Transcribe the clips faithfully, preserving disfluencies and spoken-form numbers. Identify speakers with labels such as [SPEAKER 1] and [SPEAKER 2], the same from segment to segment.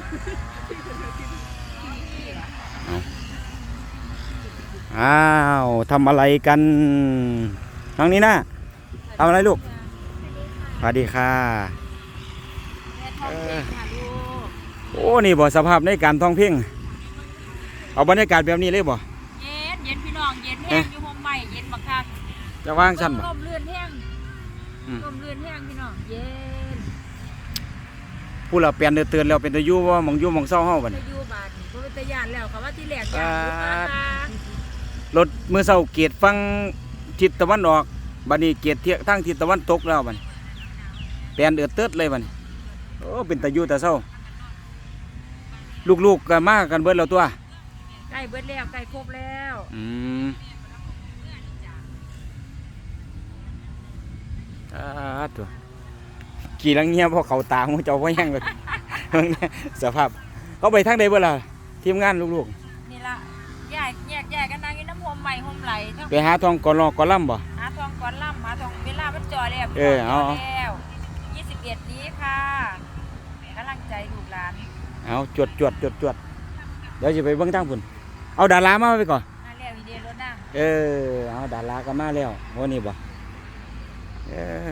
[SPEAKER 1] อ้าวทำอะไรกันน้องนี้นะทำอะไรลูกสวัสดีค่ะโอ้นี่บ่สภาพในการท่องเพ่งเอาบรรยากาศแบบนี้เลยบ่
[SPEAKER 2] เย็นเย็นพี่น้องเย็นแห้งอยู่ห้องใหม่เย็นมากคัก
[SPEAKER 1] จะว่างสั้นบ่
[SPEAKER 2] ลมเลื่อนแห้งลมเลื่อนแห้งพี่น้องเย็น
[SPEAKER 1] ผู้เราเปลี่ยนเตือนแล้วเป็นตะยูว่ามองยูมองเศร้าเฮาบัด
[SPEAKER 2] ตะยูบาดเพราะเป็นตะยานแล้วเขาว่าที่แหลกยาน
[SPEAKER 1] รถมือเศร้าเกียรฟังทิศตะวันออกบัดนี้เกียรเที่ยทางทิศตะวันตกแล้วบัดเปลี่ยนเดือดเติดเลยบัดโอ้เป็นตะยูตะเศร้าลูกๆกันมากันเบิดแล้วตัว
[SPEAKER 2] ใกล้เบิดแล้วใกล้ครบแล้ว
[SPEAKER 1] อืมอ่าตัวกี่ลังเงียบเพราะเขาตาของเจ้าพ่อแห้งเลยสภาพเขาไปทางใดเบิดล่ะทีมงานลูก
[SPEAKER 2] ๆนี่ละแยกแยกแยกกันนั่งกินน้ำหอมใหม่หอมไหล
[SPEAKER 1] ไปหาทองก่อนรอก่อนล่ำบ่
[SPEAKER 2] หาทองก่อนล่ำหาทองเวลามันจ่อแล้ว
[SPEAKER 1] เออเอา
[SPEAKER 2] แล้วยี่สิบเอ็ดนี้ค่ะกำลังใจลูกหลาน
[SPEAKER 1] เอาจวดจวดจวดจวดเดี๋ยวจะไปเบิ้งทางพุ่นเอาดารามาไปก่อน
[SPEAKER 2] มาแล้วอีเดียรถนั่ง
[SPEAKER 1] เออเอาดาราก็มาแล้ววันนี้บ่เออ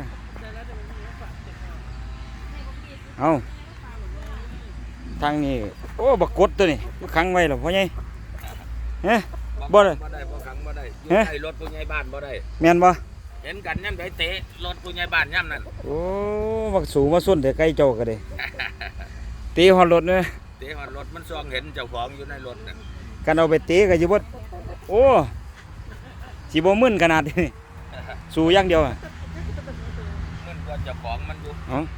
[SPEAKER 1] เอาทางนี้โอ้บักกดตัวนี้ขังไว้หรอพ่อใหญ่เฮ้บ่ได้
[SPEAKER 3] บ่ได้บ่ขังบ่ได้อยู่ในรถผู้ใหญ่บ้านบ่ได้
[SPEAKER 1] แม่นบ่
[SPEAKER 3] เห็นกันย่ำไดเตะรถผู้ใหญ่บ้านย่ำนั่น
[SPEAKER 1] โอ้บักสูงมาส้นแต่ใกล้เจ้าก็ได้ตีหอดรถเลย
[SPEAKER 3] เตะหอดรถมันซองเห็นเจ้าของอยู่ในรถน่ะ
[SPEAKER 1] กันเอาไปเตะก็สิบ่โอ้สิบ่มึนขนาดนี้สู้อย่างเดียวอ่ะ
[SPEAKER 3] มึนกว่าเจ้าของมันอยู่
[SPEAKER 1] เอ้า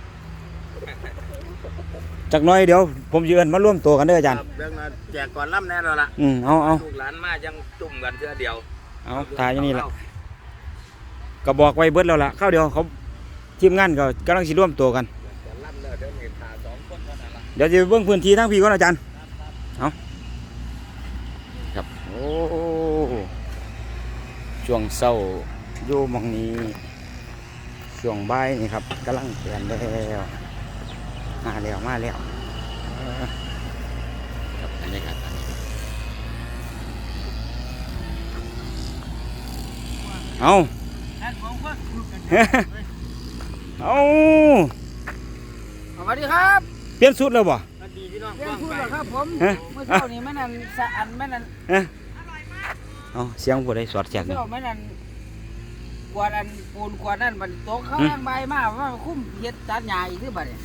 [SPEAKER 1] จักหน่อยเดี๋ยวผมยืนมาร่วมตัวกันเด้ออาจารย์
[SPEAKER 3] เรื่องนั้นแจกก่อนล่ำแน่นอนล่ะ
[SPEAKER 1] อืมเอาเอา
[SPEAKER 3] ลูกหลานมายังจุ่มกันเทื่อเดียว
[SPEAKER 1] เอาถ่ายอย่างนี้ล่ะก็บอกไว้เบิดแล้วล่ะข้าวเดียวเขาทีมงานก็กำลังสิร่วมตัวกันเดี๋ยวจะเบิ่งพื้นที่ทั้งพี่ก่อนอาจารย์เอาครับโอ้ช่วงเช้าอยู่หม่องนี้ช่วงบ่ายนี่ครับกำลังเปลี่ยนแล้วมาแล้วมาแล้วครับบรรยากาศเอาเอา
[SPEAKER 2] สวัสดีครับ
[SPEAKER 1] เปลี่ยนสุดแล้วบ่
[SPEAKER 2] เปลี่ยนสุดแล้วครับผมเมื่อเช้านี้แม่นันสะอันแม่นัน
[SPEAKER 1] เอาเสียงผู้ใดสอดแจกนี่
[SPEAKER 2] แม่นันกวาดอันปูนกวาดนั่นบัดโต๊ะเขาแรงใบมากว่าคุ้มเฮ็ดตัดหญ้าอีกคือบัดนี้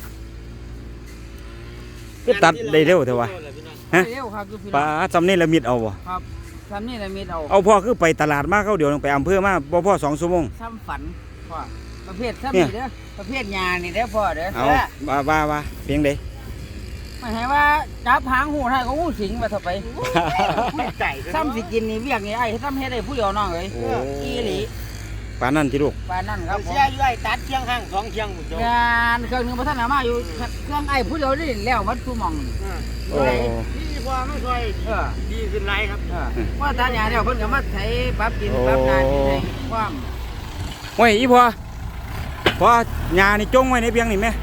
[SPEAKER 1] ก็ตัดได้เร็วเถอะวะ
[SPEAKER 2] ฮะเร็วครับคือพี่
[SPEAKER 1] ปลาจำนี่ละมิดเอาบ่
[SPEAKER 2] ครับจำนี่ละมิดเอา
[SPEAKER 1] เอาพ่อคือไปตลาดมาเขาเดี๋ยวไปอำเภอมาบ่พ่อสองชั่วโมง
[SPEAKER 2] ซ้ำฝันพ่อประเภทซ้ำนี่เด้อประเภทหญ้านี่เด้อพ่อเด้อ
[SPEAKER 1] เอาว่าว่าว่าเพียงใด
[SPEAKER 2] ไม่ให้ว่าจับหางหูไทยเขาหูสิงมาต่อไปซ้ำสิกินนี่เวียกนี่ไอ้ซ้ำเฮ็ดได้ผู้เดียวน้องเลยอีหลี
[SPEAKER 1] ปานนั่นที่ลูก
[SPEAKER 2] ปานนั่นครับผมเสียอยู่ไอ้ตัดเชียงห้างสองเชียงงานเครื่องนึงพัฒนามาอยู่เครื่องไอ้ผู้เดียวนี่แล้วมันตู้มอง
[SPEAKER 1] โอ้
[SPEAKER 3] ดีกว่าไม่ค่อยดีขึ้นไรครับ
[SPEAKER 2] ว่าตัดหญ้าเดี๋ยวเพิ่นก็มาไถปรับดินปรับนาดินให้ความ
[SPEAKER 1] โอ้ยอีพ่อพ่อหญ้านี่จงไว้ในเพียงนี่แม่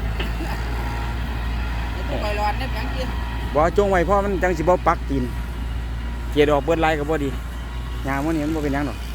[SPEAKER 2] ไปร้อนในเพียงกิน
[SPEAKER 1] บ่จงไว้พ่อมันจังสิบ่ปักตีนเกลียดออกเบิดลายก็บ่ดีหญ้ามื้อนี้มันบ่เป็นหยังดอก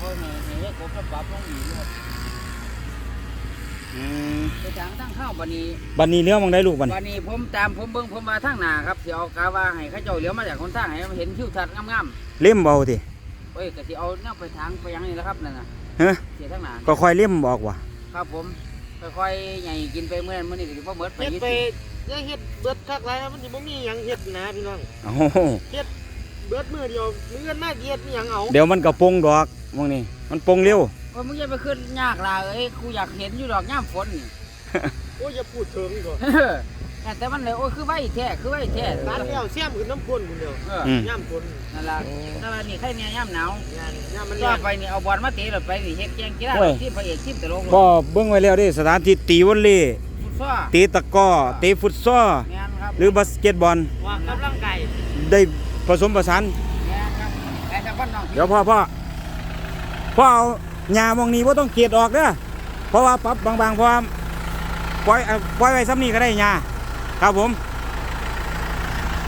[SPEAKER 2] ไปทางทั้งข้าวบันนี้
[SPEAKER 1] บันนี้เลี้ยวมองได้ลูกบัน
[SPEAKER 2] บันนี้ผมตามผมเบิ้งผมมาทางหน้าครับสิเอากาว่าให้ข้าเจ้าเลี้ยวมาจากคนทางให้เห็นคิวทัดงาม
[SPEAKER 1] ๆเล่มเบาที
[SPEAKER 2] เอ้ยก็สิเอาเนี่ยไปทางไปยังนี่แหละครับนั่นน่ะ
[SPEAKER 1] ฮะ
[SPEAKER 2] เสียทางหน้า
[SPEAKER 1] ก็ค่อยเล่มบอกว่ะ
[SPEAKER 2] ครับผมค่อยๆใหญ่กินไปเมื่อเมื่อนี้ก็สิบ่เบิดไป
[SPEAKER 3] เฮ็ดไปยังเฮ็ดเบิดคักหลายมันสิบ่มีหยังเฮ็ดนะพี่น้อง
[SPEAKER 1] โอ้
[SPEAKER 3] เฮ็ดเบิดมื้อเดียวมื้ออื่นมาเฮ็ดอีหยังเอา
[SPEAKER 1] เดี๋ยวมันก็ปงดอกมองนี่มันปงเร็ว
[SPEAKER 2] ว่ามึงอย่าไปขึ้นยากล่ะเอ้ยกูอยากเห็นอยู่ดอกย่ำฝนนี่
[SPEAKER 3] โอ้ยอย่าพูดเถิงก่อน
[SPEAKER 2] แต่มันเลยโอ้คือไว้แท้คือไว้แท้
[SPEAKER 3] ร้านแล้วเสียมขึ้นน้ำพ่นคนเดียวย่ำฝน
[SPEAKER 2] นั่นล่ะแต่ว่านี่ใครเนี่ยย่ำหนาวย่ำมันย่ำไปนี่เอาบอลมาตีรถไปนี่เฮ็ดแกงกีฬาที่พระเอกทีมตลก
[SPEAKER 1] ก็เบิ่งไว้แล้วดิสถานที่ตีวอลเลย์ตีตะก้อตีฟุตซอลหรือบาสเกตบอล
[SPEAKER 3] ว่ากำลังกาย
[SPEAKER 1] ได้ผสมผสานเดี๋ยวพ่อพ่อพ่อเอาหญ้ามองนี้ว่าต้องเกลียดออกเด้อเพราะว่าปรับบางๆเพราะปล่อยปล่อยไว้ซ้ำนี้ก็ได้หญ้าครับผม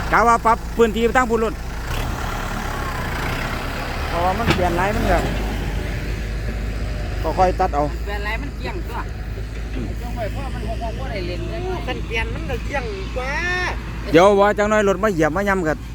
[SPEAKER 1] กะว่าปรับพื้นที่ตั้งพุ่นรถเพราะว่ามันเปลี่ยนหลายมันก็ก็ค่อยตัดเอา
[SPEAKER 2] แปลนไรมันเกี่ยงตัวจังไว้เพราะมันหกๆบ่ได้เล่นเลย
[SPEAKER 3] คันเปลี่ยนมันก็เกี่ยงกว่า
[SPEAKER 1] เดี๋ยวว่าจังน้อยรถมาเหยียบมาย่ำกับ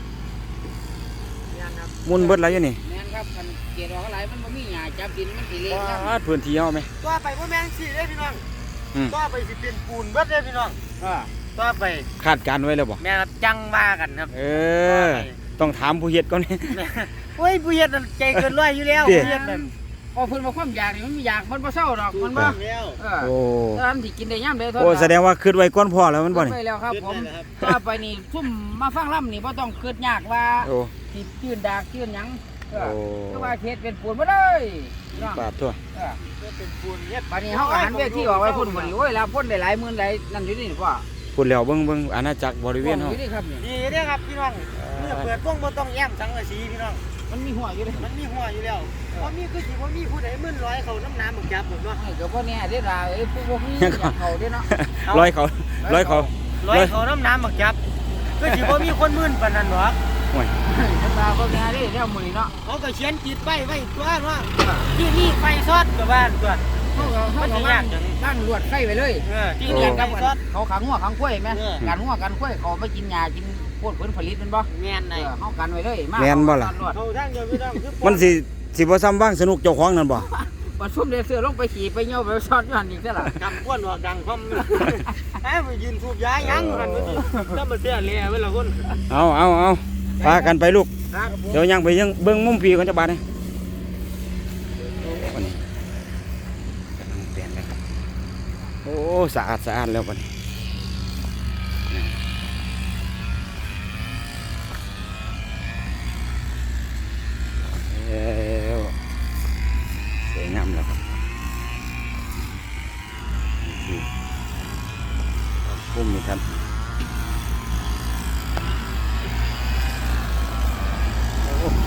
[SPEAKER 1] มุนเบิดไรอยู่นี่
[SPEAKER 2] แม่นครับคันเกียร์ออกอะไรมันบ่มีหญ้าจับดินมันสิเละครับ
[SPEAKER 1] วาดพื้นที่เอาไหม
[SPEAKER 3] ต่อไปบ่แม่นสิเด้พี่น้อง
[SPEAKER 1] อืม
[SPEAKER 3] ต่อไปสิเป็นปูนเบิดเด้พี่น้อง
[SPEAKER 2] อ่า
[SPEAKER 3] ต่อไป
[SPEAKER 1] คาดการณ์ไว้แล้วบ่
[SPEAKER 3] แม่ครับจังว่ากันครับ
[SPEAKER 1] เออ ต้องถามผู้เฮ็ดก่อนนี่
[SPEAKER 3] โอ้ยผู้เฮ็ดนั่นใจเกินร้อยอยู่แล้ว
[SPEAKER 1] เด้
[SPEAKER 3] ผู้เฮ็ดนั่น
[SPEAKER 2] พอเพิ่นมาความอยากนี่มันมีอยากมันบ่เศร้าดอกมันบ่
[SPEAKER 3] แล้ว
[SPEAKER 2] เออ
[SPEAKER 1] โอ้
[SPEAKER 2] ตอนที่กินได้ยามใดเท่า
[SPEAKER 1] โอ้แสดงว่าคิดไว้ก่อนพอแล้วมันบ่นี่
[SPEAKER 2] ไปแล้วครับผม
[SPEAKER 3] ครับ
[SPEAKER 2] ต่อไปนี่ซุ่มมาฟังล่ำนี่บ่ต้องคิดยากว่า
[SPEAKER 1] โอ้
[SPEAKER 2] สิชื่นดากชื่นหยังเออ
[SPEAKER 1] โอ้
[SPEAKER 2] คือว่าเขตเป็นปูนบ่เลยน้อง
[SPEAKER 1] บาดทั่ว
[SPEAKER 2] เออ
[SPEAKER 3] ก็เป็นปูนเฮ็ด
[SPEAKER 2] บัดนี้เฮาก็หันเวทีออกไว้พุ่นบ่นี่โอ้ยลาพุ่นได้หลายหมื่นหลายนั่นอยู่นี่พ่อ
[SPEAKER 1] พูดแล้วเบิ่งเบิ่งอาณาจักรบริเวณ
[SPEAKER 2] อ
[SPEAKER 1] เฮา
[SPEAKER 2] ยู่นี่ครับนี่
[SPEAKER 3] ดีเด้อครับพี่น้องเมื่อเปิดวงบ่ต้องแย้มสังกะสีพี่น้อง
[SPEAKER 2] มันมีหัวอยู่เลย
[SPEAKER 3] มันมีหัวอยู่แล้วบ่มีคือสิบ่มีผู้ใดมื่นร้อยเขาน้ำน้ำบักจับผมเนาะ
[SPEAKER 2] ให้ก็บ่แน่เด้อล่ะเอ้ยผู้บ่มีอยากเข้าเด้อเนาะ
[SPEAKER 1] ร้อยเขาร้อยเขา
[SPEAKER 3] ร้อยเขาน้ำน้ำบักจับคือสิบ่มีคนมื่นปานนั้นหรอก
[SPEAKER 1] โอ้ย
[SPEAKER 2] เพิ่นว่าบ่แน่เด้อแล้วมื้อนี้เนาะ
[SPEAKER 3] เขาก็เขียนติดไว้ไว้ตัวเนาะที่นี่ไฟซอดกับบ้านตัว
[SPEAKER 2] เฮาก็เฮาก็ว่างตั้งลวดไฟไว้เลย
[SPEAKER 3] เออที่
[SPEAKER 2] ที่
[SPEAKER 3] นี่
[SPEAKER 2] เรียน
[SPEAKER 3] ไฟ
[SPEAKER 2] กับ
[SPEAKER 3] ซอด
[SPEAKER 2] เขาขังหัวขังกล้วยแม่
[SPEAKER 3] เออ
[SPEAKER 2] กันหัวกันกล้วยเขาไปกินหญ้ากินโพดผลผลิตแม่นบ่
[SPEAKER 3] แม่น
[SPEAKER 2] เอ
[SPEAKER 3] ได้
[SPEAKER 2] อเฮากันไว้เลยมา
[SPEAKER 1] แม่นบ่ล่ะ
[SPEAKER 2] ลวด
[SPEAKER 3] เขาทางเดียวพี่น้องคือ
[SPEAKER 1] มันสิสิบ่ซ้ำบ้างสนุกเจ้าของนั่นบ่
[SPEAKER 2] บัดซุ่มได้เสื้อลงไปขี่ไปเหี่ยวไปช็อตอยู่หั่นอีกซะล่ะ
[SPEAKER 3] กำก้วนออกดังพร้อมให้ไปยืนสูบยายังกันมื้อนี้ถ้ามันเสียแลเวลาคน
[SPEAKER 1] เอาเอาเอาพากันไปลูก
[SPEAKER 2] ครับผม
[SPEAKER 1] เดี๋ยวยังไปยังเบิ่งมุมพี่ก่อนจะบาดนี่วันนี้กำลังเปลี่ยนเลยครับโอ้สะอาดสะอาดแล้ววันนี้แล้วสวยงามแล้วครับนี่พุ่มนี่ครับโอ้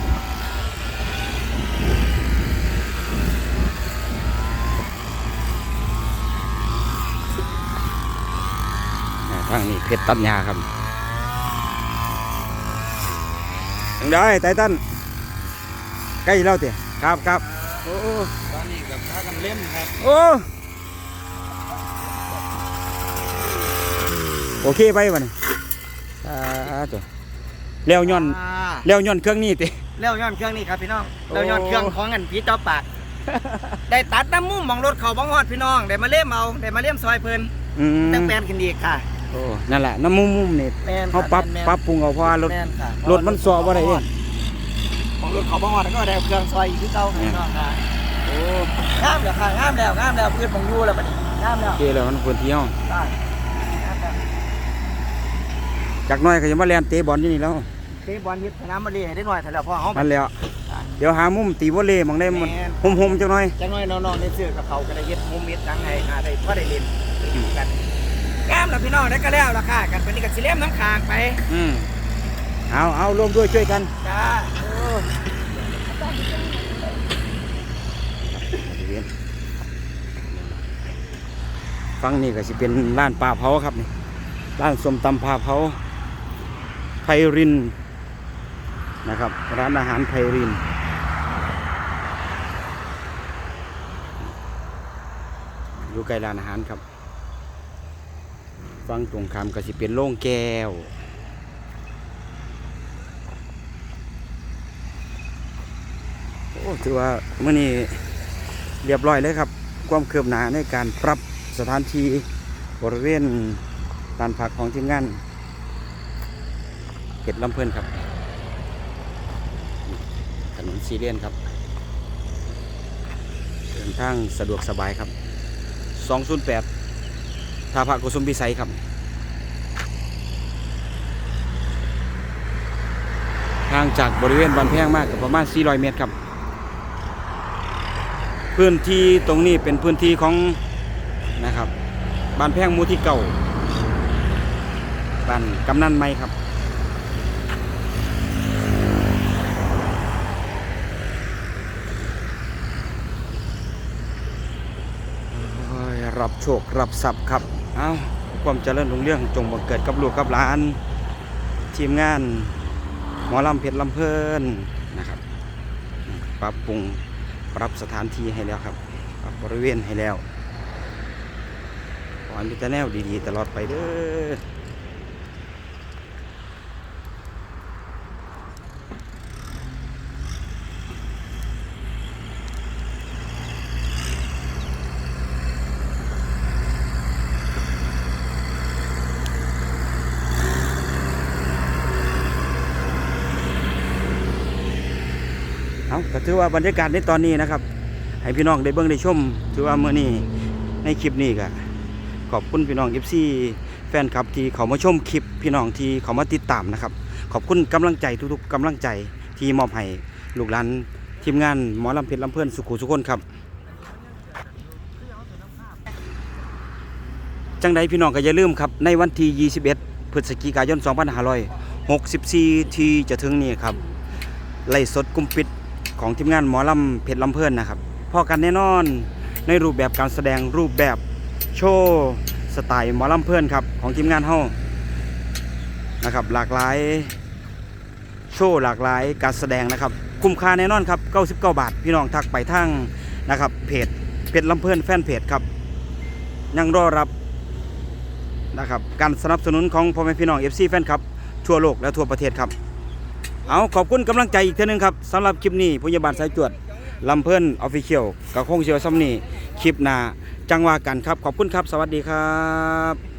[SPEAKER 1] ทางนี้เพชรตัญญาครับยังได้ไตตันใกล้แล้วเตี้ยครับครับโอ้
[SPEAKER 3] ตอนนี้กับพากันเล่นครับ
[SPEAKER 1] โอ้โอเคไปวะนี่อ่าตัวเลี้ยวย้อนเลี้ยวย้อนเครื่องนี้ติ
[SPEAKER 3] แล้วย้อนเครื่องนี่ครับพี่น้อง
[SPEAKER 1] โอ้
[SPEAKER 3] แล้วย้อนเครื่องของอันผีเจ้าปาก ได้ตัดน้ำมุมมองรถเขาบังฮอดพี่น้องได้มาเล่มเอาได้มาเล่มซอยเพิ่น
[SPEAKER 1] อืม
[SPEAKER 3] ตั้งแปลนขึ้นอีกค่ะ
[SPEAKER 1] โอ้นั่นแหละน้ำมุมมุมนี่
[SPEAKER 3] แม่น
[SPEAKER 1] เขาปรับ
[SPEAKER 3] แม่น
[SPEAKER 1] ปรับปรุงเอาเพราะว่ารถ
[SPEAKER 3] แม่นค่ะ
[SPEAKER 1] รถมันสอบว่าได้เอง
[SPEAKER 3] ของรถเขาบังฮอดแล้วก็ได้เครื่องซอยอีกที่เก่าพี่น้องค่ะ
[SPEAKER 1] โอ้
[SPEAKER 3] งามแล้วค่ะงามแล้วงามแล้วเพื่อนของอยู่แล้วบัดนี้งามแล้ว
[SPEAKER 1] โอเคแล้วมันควรเที่ยว
[SPEAKER 3] ได้งามแล้ว
[SPEAKER 1] จากหน้อยก็จะมาเล่นเตะบอลที่นี่แล้ว
[SPEAKER 3] เตะบอลยึดสนามมาเล่ให้ได้หน่อยเถอะแล้วพ่อเฮา
[SPEAKER 1] มันแล้ว เดี๋ยวหามุมตีวอลเลย์หมองได้มันห่มๆจังหน่อย
[SPEAKER 3] จังน้อยน้องๆได้ซื้อกับเขาก็ได้เฮ็ดมุมเฮ็ดจังไห้หาได้พอได้เล่นอยู่กันงามแล้วพี่น้องได้ก็แล้วล่ะค่ะกันไปนี่ก็สิเล่มน้ำค้างไป
[SPEAKER 1] อืมเอาเอาร่วมด้วยช่วยกัน
[SPEAKER 3] จ้าโอ้
[SPEAKER 1] ฟังนี่ก็สิเป็นร้านปลาเผาครับนี่ร้านส้มตำปลาเผาไพรินนะครับร้านอาหารไพรินอยู่ใกล้ร้านอาหารครับฟังตรงข้ามก็สิเป็นโล่งแก้วโอ้ถือว่ามื้อนี้เรียบร้อยเลยครับความคืบหน้าในการปรับสถานที่บริเวณลานพักของทีมงานเห็ดลำเพลินครับถนนซีเรียนครับเดินทางสะดวกสบายครับสองศูนย์แปดท่าพระกุสุมพิสัยครับห่างจากบริเวณบ้านแพงมากกับประมาณสี่ร้อยเมตรครับพื้นที่ตรงนี้เป็นพื้นที่ของนะครับบ้านแพงหมู่ที่เก่าบ้านกำนันไม้ครับโอ้ยรับโชครับทรัพย์ครับเอาความเจริญรุ่งเรืองจงบังเกิดกับลูกกับหลานททีมงานหมอลำเพชรลำเพลินนะครับปรับปรุงปรับสถานที่ให้แล้วครับปรับบริเวณให้แล้วขอให้มีแต่แนวดีๆตลอดไปเด้อเอาก็ถือว่าบรรยากาศในตอนนี้นะครับให้พี่น้องได้เบิ่งได้ชมถือว่าเมื่อนี้ในคลิปนี้ก็ขอบคุณพี่น้อง เอฟ ซี แฟนคลับที่เขามาชมคลิปพี่น้องที่เขามาติดตามนะครับขอบคุณกำลังใจทุกๆกำลังใจที่มอบให้ลูกหลานทีมงานหมอลำเพชรลำเพื่อนสุขุสุขคนครับจังใดพี่น้องก็อย่าลืมครับในวันที่ยี่สิบเอ็ดพฤศจิกายนสองพันห้าร้อยหกสิบสี่ที่จะถึงนี้ครับไล่สดกุมปิดของทีมงานหมอลำเพชรลำเพื่อนนะครับพอกันแน่นอนในรูปแบบการแสดงรูปแบบโชว์สไตล์หมอลำเพื่อนครับของทีมงานเฮานะครับหลากหลายโชว์หลากหลายการแสดงนะครับคุ้มค่าแน่นอนครับเก้าสิบเก้าบาทพี่น้องทักไปทางนะครับเพจเพชรลำเพื่อนแฟนเพจครับยังรอรับนะครับการสนับสนุนของพ่อแม่พี่น้อง เอฟ ซี แฟนครับทั่วโลกและทั่วประเทศครับเอาขอบคุณกำลังใจอีกเท่านึงครับสำหรับคลิปนี้พยาบาลสายจวดลำเพิ่นออฟฟิเชียลกับคงเชียวซัมนี่คลิปหน้าจังหวะกันครับขอบคุณครับสวัสดีครับ